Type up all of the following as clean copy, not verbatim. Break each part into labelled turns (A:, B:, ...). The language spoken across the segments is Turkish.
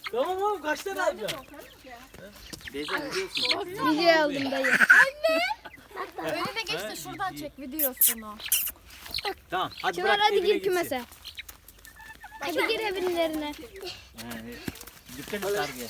A: Tamam oğlum kaç tane alacaksın?
B: Video aldım dayı.
C: Önüne geç de şuradan çek videosunu.
A: Tamam hadi
B: Çınar
A: bırak
B: hadi
A: evine
B: gir
A: gitsin.
B: kümese. Hadi gir evlerine.
A: Dikkat et kargıya.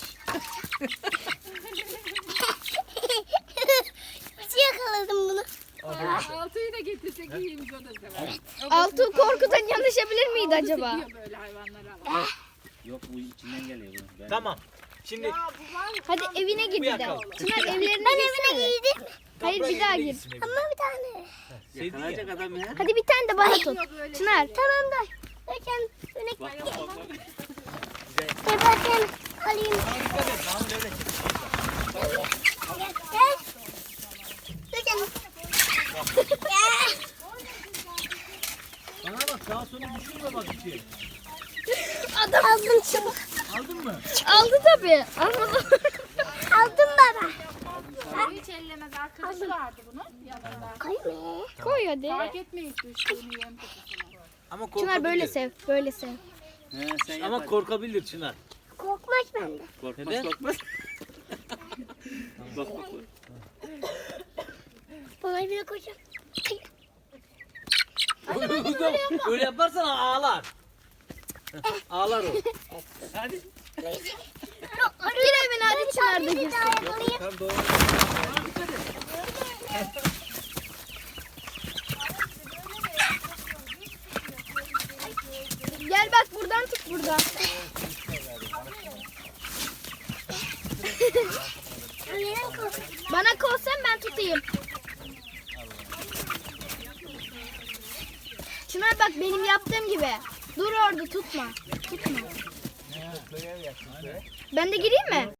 D: Nasıl yakaladım bunu?
C: Altıyı da getirsek iyiymiş o da sever.
B: Altı korkudan yanlışabilir miydi acaba?
C: Seviyor böyle hayvanları ama.
E: Yok bu içinden geliyor bu.
A: Tamam. Şimdi
B: Hadi evine gir bir de.
A: yakalım.
B: Çınar evlerine girsene.
D: Yedim
B: Hayır bir daha gir.
A: gitsin evine.
D: ama bir tane.
E: Yakalayacak adam ya.
B: Hadi bir tane de bana tut. Çınar.
D: Tamam da. Bakın öne
E: Bak bak bak. bak.
D: bakın alayım.
A: Dikkat et. Mahmut öyle çek.
D: Gel. Bakın.
A: Bana bak sağa sola düşürme bak içi.
D: Adam aldım çabuk.
A: Aldın mı?
B: Aldı tabii. Almadı.
D: Aldım baba.
C: Hiç ellemez arkadaşı vardı bunun yanında.
D: Koyma.
B: Koy hadi.
C: Fark etmeyiz düştüğünü yem kutusuna.
A: Ama korkabilir.
B: Çınar böyle sev. Böyle sev.
E: He, sen
A: Ama
E: yapar.
A: korkabilir Çınar.
D: Korkmaz bende.
E: Korkmaz
A: Neden?
E: korkmaz. Bak bak bak.
D: Bana bir koyacağım.
A: Öyle yaparsan ağlar. Ağlar o. Hadi.
B: Gir evine hadi Çınar da girsin.
A: Tamam doğru.
B: Gel bak buradan tut buradan. Bana kolsan ben tutayım. Çınar bak benim yaptığım gibi. Dur orada tutma. Tutma. Ben de gireyim mi?